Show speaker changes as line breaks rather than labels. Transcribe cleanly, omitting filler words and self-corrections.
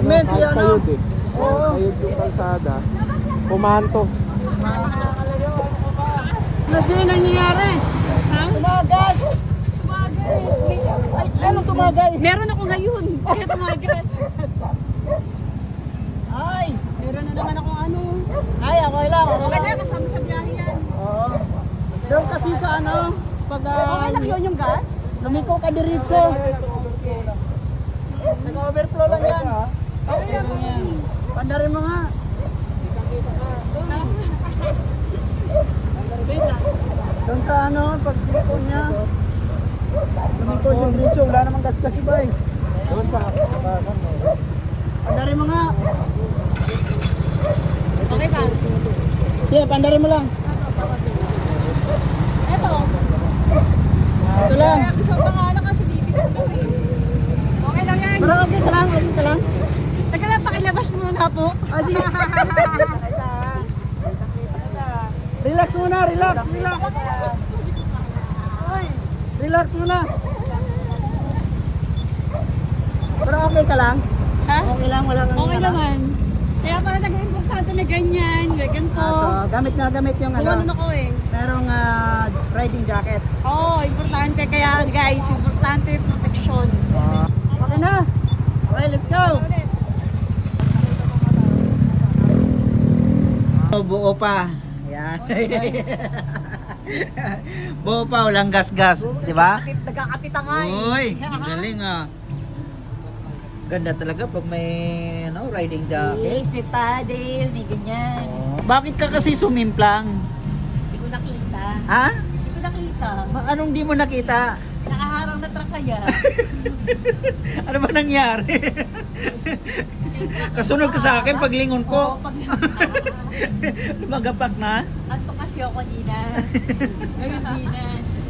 pavement si ano.
Kayod eh.
Oo.
Kayod yung kalsada. Pumanto.
Ano sino nangyayari? Ha? Tumagas! Ay, anong tumagas?
Meron ako ngayon. Kaya tumagas.
Ay!
Meron na naman akong ano.
Ay, okay lang.
Okay na, kasama sa biyahe yan.
Oo. Doon kasi sa ano, pag
Okay lang yun yung gas?
lumiko ka diretso. Nag-overflow lang yan.
Okay lang yan.
Pandarin mo nga. Doon sa ano, pag lumiko niya. Lumiko siya diretso, wala namang gas-gas iba eh.
Doon sa kabakan mo.
Pandarin mo nga.
Okay ba?
Yeah, pandarin mo lang.
Eto.
Ito lang.
Kaya gusto ko nga na kasi bibigyan ko eh. Okay lang yan.
Pero okay ka lang, okay ka lang.
Teka lang, pakilabas muna po.
Ah, sige. Relax muna, relax, relax. Relax muna. Pero okay ka lang?
Ha?
Okay lang, wala kang
Okay naman. Kaya pala nag-importante na ganyan, may ganito.
So, gamit nga gamit yung
Gumanon
ano,
ako eh.
merong riding jacket.
Oo, importante. Kaya guys, importante yung protection.
Okay na. Okay, let's go. Buo pa. Yan. Buo pa, walang gas-gas, di ba?
Nagkakapita nga eh.
Uy, ang galing ah. Ganda talaga pag may ano, riding jacket.
Yes, may paddle, may ganyan.
Bakit ka kasi sumimplang?
Hindi ko nakita.
Ha?
Hindi ko nakita.
Anong di mo nakita?
Nakaharang na truck kaya.
Ano ba nangyari? Kasunod ka sa akin paglingon ko.
Oo, pag
Lumagapak na.
anto kasi ako kanina. Ngayon di na.